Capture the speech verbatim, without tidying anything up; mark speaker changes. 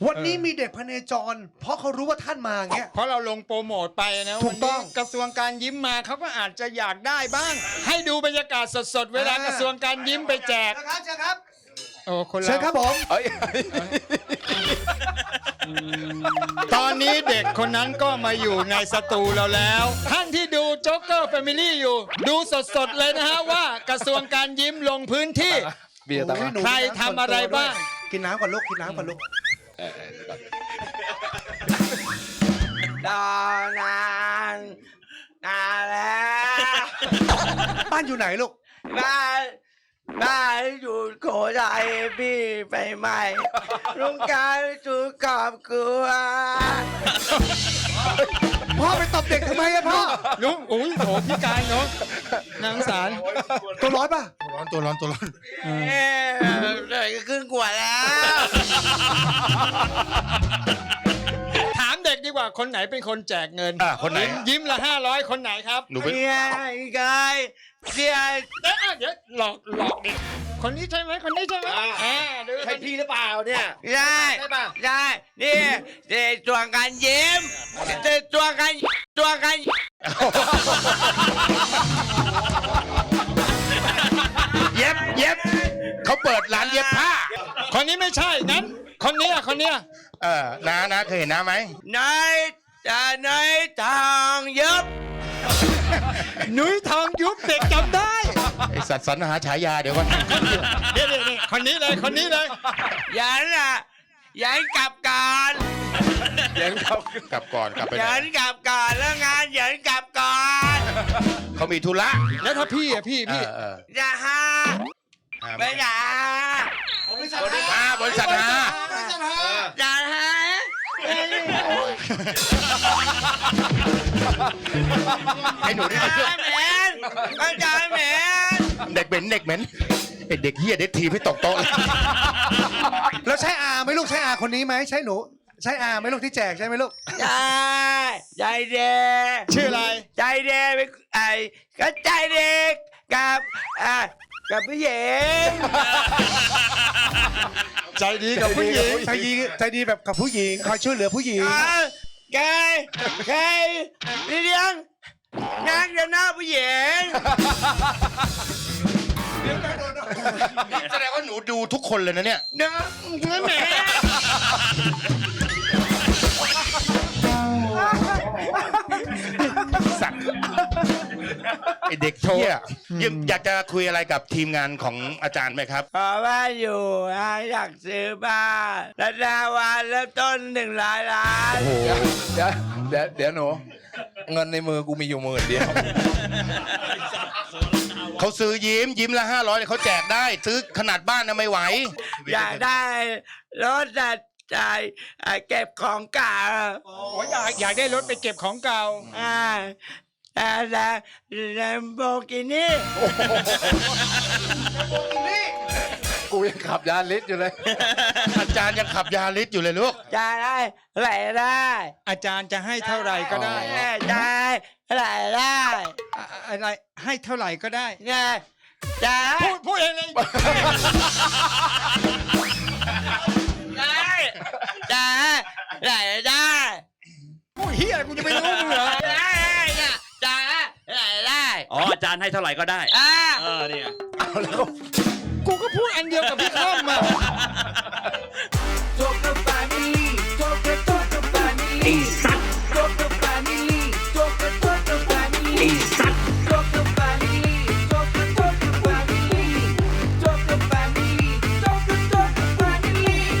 Speaker 1: วันนี้มีเด็กพเนจร เพราะเขารู้ว่าท่านมาเงี้ย
Speaker 2: เพราะเราลงโปรโมทไปนะถูกต้องกระทรวงการยิ้มมาเขาก็อาจจะอยากได้บ้าง ให้ดูบรรยากาศสดๆเวลากระทรวงการยิ้มไปแจก
Speaker 1: นะครับเชิญครับ
Speaker 2: โอ้คนละ
Speaker 1: เชิญครับผม
Speaker 2: ตอนนี้เด็กคนนั้นก็มาอยู่ในสตูเราแล้ว ท่านที่ดูโจ๊กเกอร์แฟมิลี่อยู่ดูสดๆเลยนะฮะว่ากระทรวงการยิ้มลงพื้นที่ใครทำอะไรบ้าง
Speaker 1: กินน้ำก่อนลูกกินน้ำก่อนลูก
Speaker 3: ดอนานนานแล้ว
Speaker 1: บ้านอยู่ไหนลูก
Speaker 3: บ้านบ้านอยู่โขทัยพี่ไปใหม่ลุงการจุดขอบครัว
Speaker 1: พ่อไปตบเด็กทำไมอะพ่อ
Speaker 2: ลุงอุ้ยโถพี่กายเนาะนางสาร
Speaker 1: ตัวร้อนป่ะ
Speaker 4: ร้อนตัวร้อนตัวร้อน
Speaker 3: เอ๊ะเลยก็ครึ่งขวดแล้ว
Speaker 2: ถามเด็กดีกว่าคนไหนเป็นคนแจกเงิน
Speaker 4: อ่ะคนไหน
Speaker 2: ยิ้มละห้าร้อยคนไหนครับ
Speaker 4: หนูเป็น
Speaker 3: เฮ้ยกายเสีย
Speaker 2: เดี๋ยวเดี๋ยวหลอกหลอกเด็กคนนี้ใช่ไหมคนนี้ใช่ไหมอ่า
Speaker 3: ใช่พี่หรือเปล่าเนี่ยใช่ใช่นี่เด็กตัวกันยิ้มเด็กตัวกันตัวกัน
Speaker 4: เย็บเย็บเขาเปิดร้านเย็บผ้า
Speaker 2: คนนี้ไม่ใช่งั้นคนนี้อ่ะคนนี้
Speaker 4: เออน้านะเคยเห็นน้าไหม
Speaker 3: นายจะนายทางยุบ
Speaker 2: หนุ่ยทองยุบเด็กจำได้
Speaker 4: ไอสัตว์สรรหาฉายาเดี๋ยวก่อน
Speaker 2: เดี๋ยวนี่คนนี้เลยคนนี้เลย
Speaker 3: ยันอ่ะยันกลับก่อน
Speaker 4: ยันกลับกลับก่อนกลับไป
Speaker 3: ยันกลับก่อนแล้วงานยันกลับก่อน
Speaker 4: เขามีธุระ
Speaker 2: แล้วถ้าพี่อ่ะพี่พี่
Speaker 3: อย่าฮะไม่อย่า
Speaker 4: บริษัทฮาบริษัทฮา
Speaker 3: อย่าฮะ
Speaker 4: ไอ้หนูนี่
Speaker 3: เหม็นอาจารย์เหม็น
Speaker 4: เด็กเหม็นเด็กเหม็นไอ้เด็กเหี้ยเด็กทีให้ตกโต๊ะ
Speaker 1: แล้วใช่อาไหมลูกใช่อาคนนี้ไหมใช่หนูใช่อาไหมลูกที่แจกใช่ไหมลูก
Speaker 3: ใช่ใจเด็ก
Speaker 2: ชื่ออะไร
Speaker 3: ใจเด็กไอ้ก็ใจเด็กกับอ่ากับผู้หญิง
Speaker 2: ใจดีกับผู้หญิง
Speaker 1: ใจดีใจดีแบบกับผู้หญิงคอยช่วยเหลือผู้หญิง
Speaker 3: แกแกเลี้ยงนั่งอยู่หน้าผู้หญิง
Speaker 4: แสดงว่าหนูดูทุกคนเลยนะเนี่ย
Speaker 3: เนื้อเนื้อแม่
Speaker 4: สัตว์ไอเด็กเที่ยอยากจะคุยอะไรกับทีมงานของอาจารย์ไหมครับ
Speaker 3: ขอบ้านอยู่อยากซื้อบ้านราคาวันเริ่มต้นหนึ่งร้อยล้าน
Speaker 5: โอ้โหเดี๋ยวเดี๋ยวเดี๋ยวหนูเงินในมือกูมีอยู่หมื่นเดียว
Speaker 4: เขาซื้อยิ้มยิ้มละห้าร้อยเขาแจกได้ซื้อขนาดบ้านนะไม่ไหว
Speaker 3: อยากได้รถจัดใจเก็บของเก่า
Speaker 2: โอ้อยากอยากได้รถไปเก็บของเก่า
Speaker 3: อ่าแต่แต่แลมโบกินี่
Speaker 5: กูยังขับยาลิสอยู่เลย
Speaker 4: อาจารย์ยังขับยาลิสอยู่เลยลูก
Speaker 3: จะได้ไหลได้
Speaker 2: อาจารย์จะให้เท่าไหร่ก็ได้
Speaker 3: ได้ไหลได้
Speaker 2: อะไรให้เท่าไหร่ก็ได้
Speaker 3: ไงจะ
Speaker 2: พูดพูดเองเลย
Speaker 3: ได้ได้ไหลได้
Speaker 2: พูดเฮียกูจะไม่รู้มึงเหรอ
Speaker 3: ได้ได้ไหลได้
Speaker 6: อ๋ออาจารย์ให้เท่าไหร่ก็ได้
Speaker 3: อ่า
Speaker 6: เออเนี่ย
Speaker 2: เอาแล้วกูก็พูดอันเดียวกับพี่ข้อมมา
Speaker 3: โจ๊กเกอร์แฟมิลี่โจ๊กเกอร์โจ๊กเกอร์แฟมิลี่